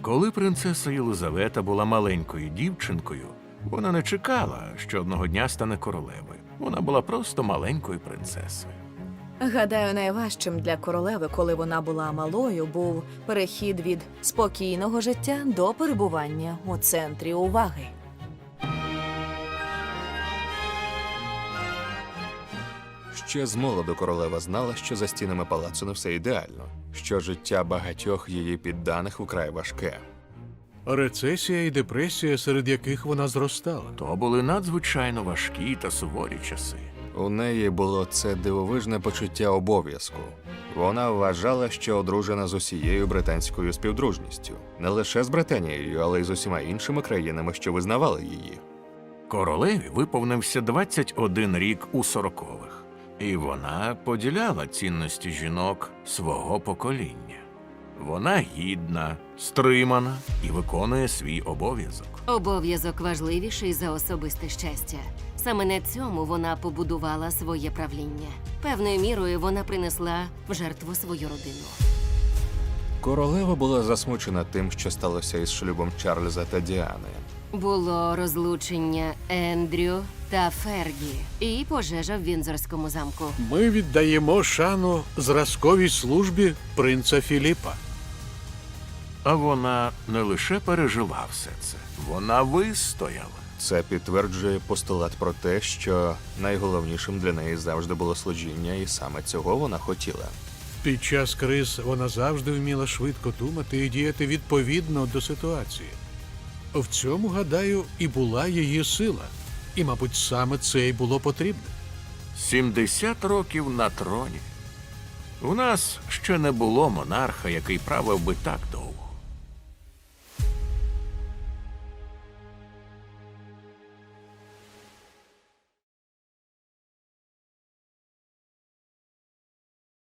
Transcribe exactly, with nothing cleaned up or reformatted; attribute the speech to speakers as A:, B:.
A: Коли принцеса Єлизавета була маленькою дівчинкою, вона не чекала, що одного дня стане королевою. Вона була просто маленькою принцесою.
B: Гадаю, найважчим для королеви, коли вона була малою, був перехід від спокійного життя до перебування у центрі уваги.
C: Ще з молоду королева знала, що за стінами палацу не все ідеально, що життя багатьох її підданих вкрай важке.
D: Рецесія і депресія, серед яких вона зростала.
A: То були надзвичайно важкі та суворі часи.
C: У неї було це дивовижне почуття обов'язку. Вона вважала, що одружена з усією британською співдружністю. Не лише з Британією, але й з усіма іншими країнами, що визнавали її.
A: Королеві виповнився двадцять один рік у сорокових, і вона поділяла цінності жінок свого покоління. Вона гідна, стримана і виконує свій обов'язок.
E: Обов'язок важливіший за особисте щастя. Саме на цьому вона побудувала своє правління. Певною мірою вона принесла в жертву свою родину.
C: Королева була засмучена тим, що сталося із шлюбом Чарльза та Діани.
E: Було розлучення Ендрю та Фергі і пожежа в Віндзорському замку.
D: Ми віддаємо шану зразковій службі принца Філіпа.
A: А вона не лише пережила все це, вона вистояла.
C: Це підтверджує постулат про те, що найголовнішим для неї завжди було служіння, і саме цього вона хотіла.
D: Під час криз вона завжди вміла швидко думати і діяти відповідно до ситуації. В цьому, гадаю, і була її сила. І, мабуть, саме це й було потрібно.
A: сімдесят років на троні. У нас ще не було монарха, який правив би так довго.